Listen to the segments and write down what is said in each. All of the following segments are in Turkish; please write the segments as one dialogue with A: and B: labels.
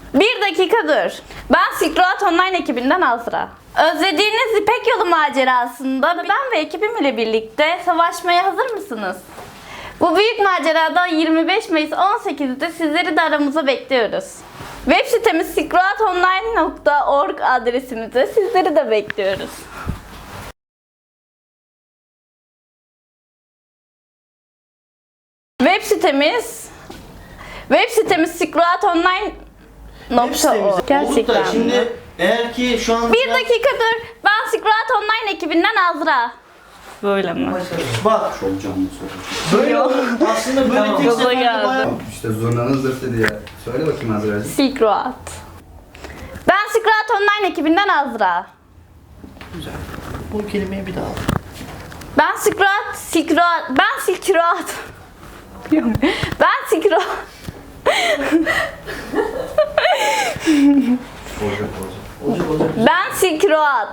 A: Bir dakika dur. Ben Silk Road Online ekibinden Azra. Özlediğiniz İpek Yolu macerasında ben ve ekibim ile birlikte savaşmaya hazır mısınız? Bu büyük macerada 25 Mayıs 18'de sizleri de aramıza bekliyoruz. Web sitemiz silkroadonline.org adresimizde sizleri de bekliyoruz. Web sitemiz silkroadonline.org. Gerçekten mi?
B: Şimdi eğer ki şu an...
A: Bir dakika dur. Ben Silk Road Online ekibinden Azra. Böyle mi?
B: Bak
C: Çok canlı soru.
B: böyle olur. Aslında böyle tek
A: Gaza
B: seferde
A: geldi.
B: bayağı...
C: İşte zurnanın zırtı diye. Söyle bakayım Azra'cığım.
A: Silk Road. Ben Silk Road Online ekibinden Azra.
B: Güzel. Bu kelimeyi bir daha al.
A: Ben Silk Road. Ben Silk Road. Ben Silk Road.
C: Olacak.
B: Olacak.
A: Ben Silk Road.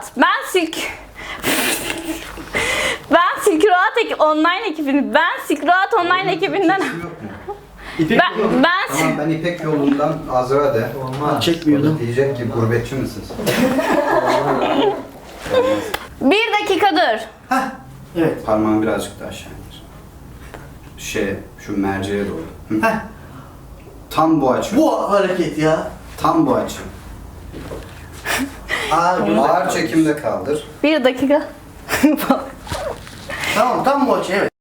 A: Ben Silk Road Online ekibini. Ben Silk Road Online ekibinden.
C: Yok mu?
B: İpek
A: Ben
C: Tamam ben İpek yolundan Azra de.
B: Olmaz. Çekmiyordum.
C: Diyecek ki gurbetçi misin?
A: bir dakika dur.
B: Evet.
C: Parmağını birazcık daha aşağı indir. Şu merceğe doğru. Hı.
B: Heh.
C: Tam bu açı.
B: Bu hareket ya.
C: Tam bu açı.
B: Güzel.
C: Ağır çekimde kaldır.
A: Bir dakika.
B: Tamam tam bu açı evet.